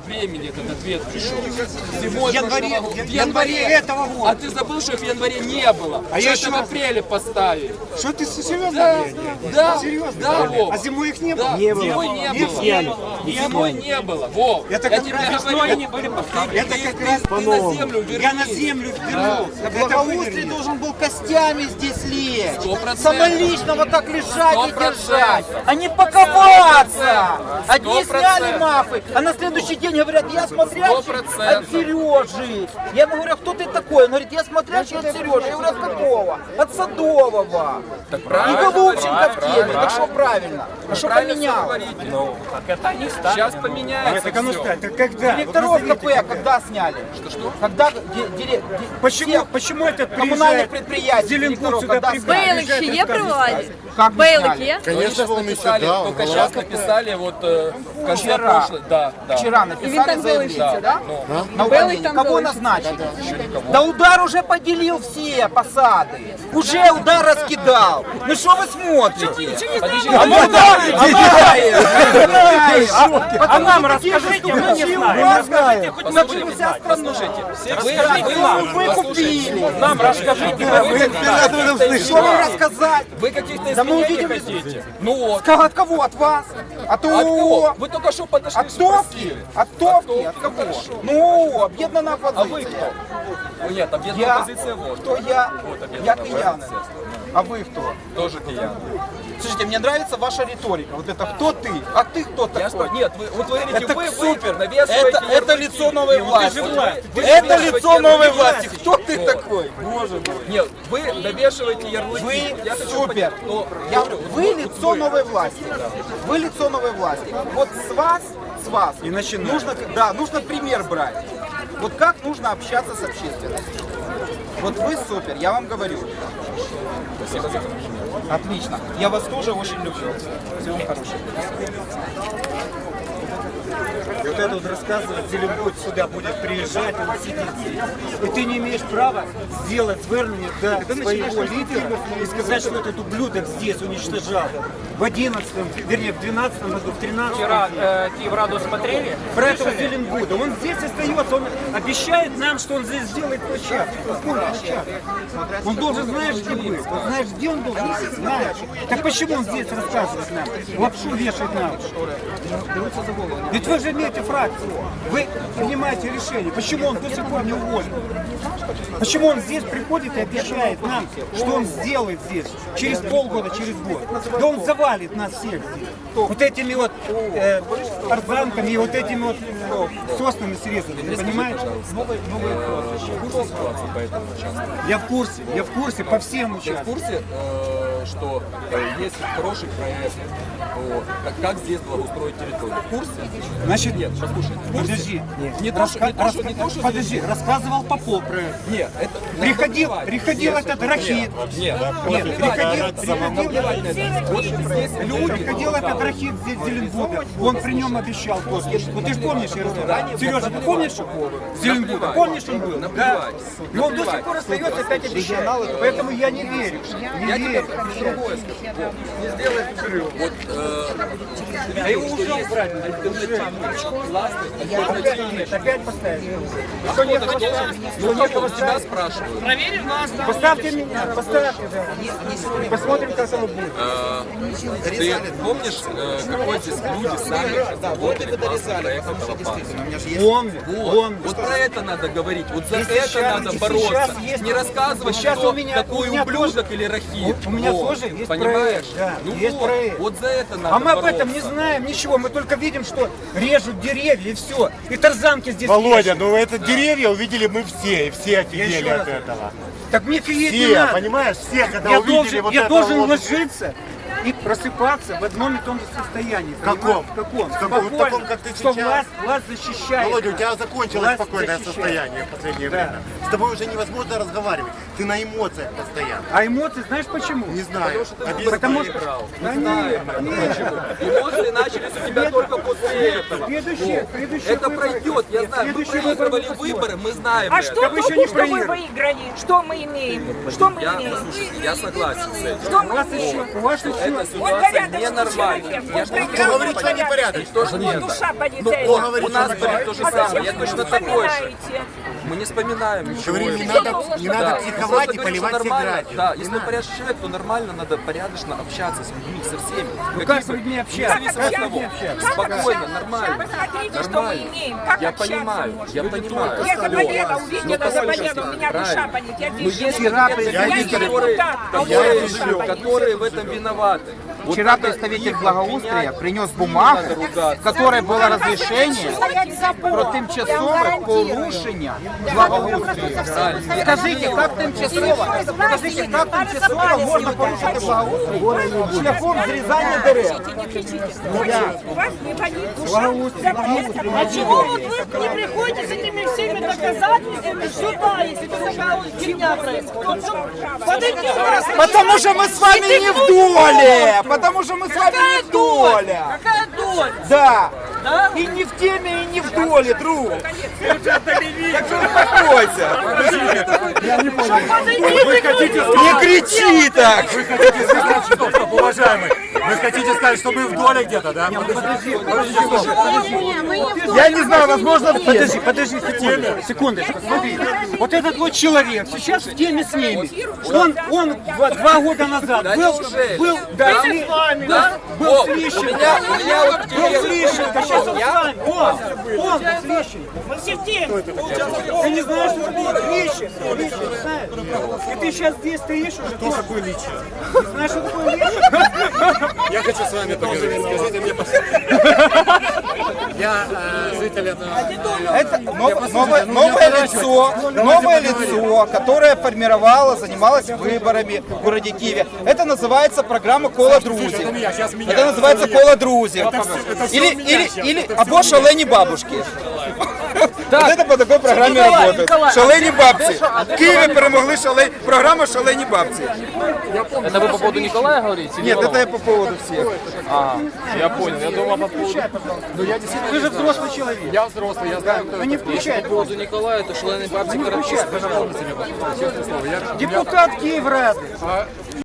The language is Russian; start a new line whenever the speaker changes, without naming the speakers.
времени этот ответ пришел. Зимой
В январе этого года.
А ты забыл, что их в январе не было?
А
Что
я
это
еще-
в апреле поставили?
Что ты серьезно?
Да,
Серьезно?
да, Вов.
А зимой их не было?
Да, зимой не было. Зимой не было, Вов.
Это
Я
как
тебе
раз
говорю,
не были Это как раз
ты на землю вернись.
Я на землю вернулся.
Благоустрий должен был костями здесь лечь.
100%.
Самолично вот так лежать и
100%.
держать, а не паковаться. Одни
100%.
сняли мафы, а на следующий день говорят, я смотрящий
100%.
от Сережи. Я ему говорю, кто ты такой? Он говорит, я смотрящий от Сережи. Я говорю, от какого? От Садового.
Так
И
правильно,
Голубченко в теме.
правильно.
Так что правильно? А что
Правильно всё
поменял?
говорите. Сейчас поменяется
Так оно
всё.
ставит. Так когда?
Директоров
Вот назовите,
КП когда сняли?
Что?
Когда
Почему этот
коммунальных
приезжает
предприятий
Зеленбуд
директоров
сюда
когда
приезжает?
сняли?
Бейлик ще є при владі?
Как не
Бейлик
сняли?
є?
Конечно, написали, только сейчас написали вот в конце
Вчера.
прошлой. Да, да.
Вчера
И
написали
він там
заявление.
залишиться, да?
На
Белый
увольнение.
там
Кого
залишиться.
назначили? Да удар уже поделил все посады. Уже удар раскидал. Ну что вы смотрите?
Подожди,
А мы
А нам расскажите, мы не знаем.
Начали вся страна. Вы купили.
Нам расскажите,
Что вам рассказать?
Вы каких-то
Да мы
изменений
увидим
хотите? Ну вот.
От кого? От вас? От
От кого?
ООО?
Вы только что подошли,
От Товки?
спросили.
От Товки? От кого? Ну, объединенная
А вы
оппозиция.
кто? Ну, нет, объединенная
Я.
оппозиция вот.
Кто я?
Вот
Я
объединенная
киян.
оппозиция.
А вы кто?
Тоже киян.
Слушайте, мне нравится ваша риторика. Вот это кто ты? А ты кто
Я
такой?
что? Нет, вы говорите,
Это
вы
супер.
навешиваете
Это
ярлыки.
лицо новой власти.
Вы
Это
навешиваете
лицо новой
ярлыки.
власти. Кто ты
Вот.
такой? Боже мой.
Нет, вы навешиваете ярлыки.
Вы
Я хочу
супер.
понять, но
Я-
говорю,
Вы
вот
лицо новой власти. Вы лицо новой власти. Вот с вас
И начинаем.
нужно пример брать. Вот как нужно общаться с общественностью. Вот вы супер, я вам говорю.
Спасибо за комплимент.
Отлично. Я вас тоже очень люблю. Всего вам хорошего.
Вот это вот рассказывает, Зеленбуд сюда будет приезжать, он сидит здесь. И ты не имеешь права сделать звернение до своего лидера и сказать, что этот ублюдок здесь уничтожал. В 11-м, вернее, в 12-м году, в 13-м.
Вчера Киевраду смотрели.
Про этого Зеленбуда. Он здесь остается, он обещает нам, что он здесь сделает площадку. Какую площадку? Он должен, знаешь, где быть. Он знаешь, где он должен быть? Знаешь. Так почему он здесь рассказывает нам? Лапшу вешает нам. Ведь вы же имеете фракцию. Вы принимаете решение. Почему он до сих пор не уволен? Почему он здесь приходит и обещает нам, что он сделает здесь через полгода, через год? Да он завалит нас всех здесь. Вот этими вот тарзанками и вот этими вот соснами срезанными, понимаешь? Я в курсе по всем
Ты в
участкам.
курсе, что есть хороший проект, как здесь благоустроить территорию? В курсе?
Значит,
Нет, послушай. в курсе?
подожди.
Не то, что
Подожди, рассказывал Попов про это.
Нет, это...
Приходил этот Рахит.
Нет,
Приходил этот Рахит здесь Зеленбуда. Он при нем обещал тоже. Вот ты же помнишь, Сережа, ты помнишь Зеленбуда? Помнишь, он был? Да. И он до сих пор остается опять обещает. Поэтому я не верю. Не
Я тебе
верю.
другое скажу. Не сделай перерыв. Вот,
А его уже убрать. Опять поставить. Что не хочет?
ну, кого тебя спрашивают?
Поставьте меня, поставьте. Да. Посмотрим, как оно будет.
Ты помнишь, какой здесь люди сами работали классный проект этого парка?
Помню,
Вот,
помню.
вот про это надо говорить, вот за
Если
это
сейчас-
надо
если
бороться,
сейчас есть-
не рассказывать,
сейчас
что
у меня
такой ублюдок или рахит.
У меня
Вот,
тоже есть
понимаешь?
проект, да,
Ну
есть
вот,
проект.
вот за это надо
А мы об
бороться.
этом не знаем ничего, мы только видим, что режут деревья и все. И тарзанки здесь
Володя,
вешают.
ну это деревья увидели мы все, и все офигели
еще
от
раз
этого.
Так мне фиеть не
Все,
надо.
понимаешь, все, когда
Я
увидели
должен,
вот
я
это
должен
вот,
ложиться и просыпаться в одном и том же состоянии.
Каком?
понимаешь? В каком?
В каком?
Спокойно,
В таком, как ты
что
сейчас.
власть защищает.
Володя, у тебя закончилось
Власть
спокойное
защищает.
состояние в последнее время. С тобой уже невозможно разговаривать. Ты на эмоциях постоянно.
А эмоции знаешь почему?
Не знаю.
Потому что... Да нет,
Эмоции начались у тебя только после этого.
следующий
Это
выбор.
пройдет, я знаю. Мы
Следующий выбор
проигрывали
будет.
выборы, мы знаем
А
это.
что
Да вы еще
толку,
не
что мы
проиграли.
выиграли? Что мы имеем? Что мы имеем?
Слушайте, я согласен с этим.
Что
У
мы
вас
имеем?
еще, у вас еще...
Эта
Он
ситуация
порядочный
ненормальная.
человек,
Я
он
же не
прекрасный
говорит, что непорядочный.
Тоже
Вот
нет.
душа
Кто
полицейская.
говорит,
У нас
что
будет то же
А
самое,
зачем
я
вы
точно такой же.
вспоминаете?
Мы не вспоминаем ничего.
Говорим, не
этого.
надо, не
Да.
надо
Мы
психовать
просто
и
говорим, что
поливать всех
нормально.
градием.
Да,
Не
если
надо.
порядочный человек, то нормально надо порядочно общаться с людьми, со всеми.
как с людьми общаться?
Независимо
Как
от
с людьми
того.
общаться?
Спокойно, нормально.
Посмотрите, что мы
Нормально.
имеем. Как
Я
общаться
понимаю,
можно?
я понимаю.
Я заболела,
Но
увидела,
послушайте,
заболела, у меня душа
правильно.
болит. Я
Но
здесь
есть
живу.
конкретные
Я
люди,
не
которые,
депутат, а у меня душа болит.
которые в этом виноваты. Вот
Вчера
надо
представитель
их
благоустрия
обвинять.
принес
Не
бумагу,
надо ругаться.
в которой было разрешение про тимчасове порушення благоустрія. Скажите, как тимчасово можна порушити благоустрій шляхом зрізання дерев?
Не кричите. У вас не болит душа.
А чего вот вы не приходите с этими всеми доказательствами сюда, если такая фигня происходит? Подойди у нас.
Потому что мы с вами не в доле! Потому что мы с вами не в доле!
Какая доля?
Да! И не в теме, и не в доле, друг! Так что успокойся! Не кричи так!
Стоп, уважаемый, вы хотите сказать, что мы в доле где-то, да?
Я не знаю, возможно,
Подожди, секундочку, смотри. Вот этот вот человек сейчас в теме с ними. Он 2 года назад
Да
был
О,
с
у
Лещенко.
меня вот
Был с Лещенко, сейчас он с вами. Он с Лещенко.
Мы все в теме.
Ты не знаешь, что такое Лещенко? Лещенко, знаешь? И ты сейчас здесь стоишь уже. Кто такой Лещенко? Не знаешь, что такое Лещенко?
Я хочу с вами поговорить. Скажите мне, я житель этого...
это новое лицо, которое формировало, занималось выборами в городе Киеве. Это называется программа «Кола друзів». Это называется «Кола друзів». Или або «Шалені бабушки». Вот это по такой программе работает. Шалені бабці. В Києві перемогли программа «Шалені бабці».
Это вы по поводу Николая говорите?
Нет, это я по поводу всех.
Я понял. Я думал по поводу...
Ты же взрослый человек.
Я взрослый, я знаю, кто
Ну не включай.
По поводу Николая, это шалені бабці
Не включай,
Карапетян.
пожалуйста. Депутат Киеврады.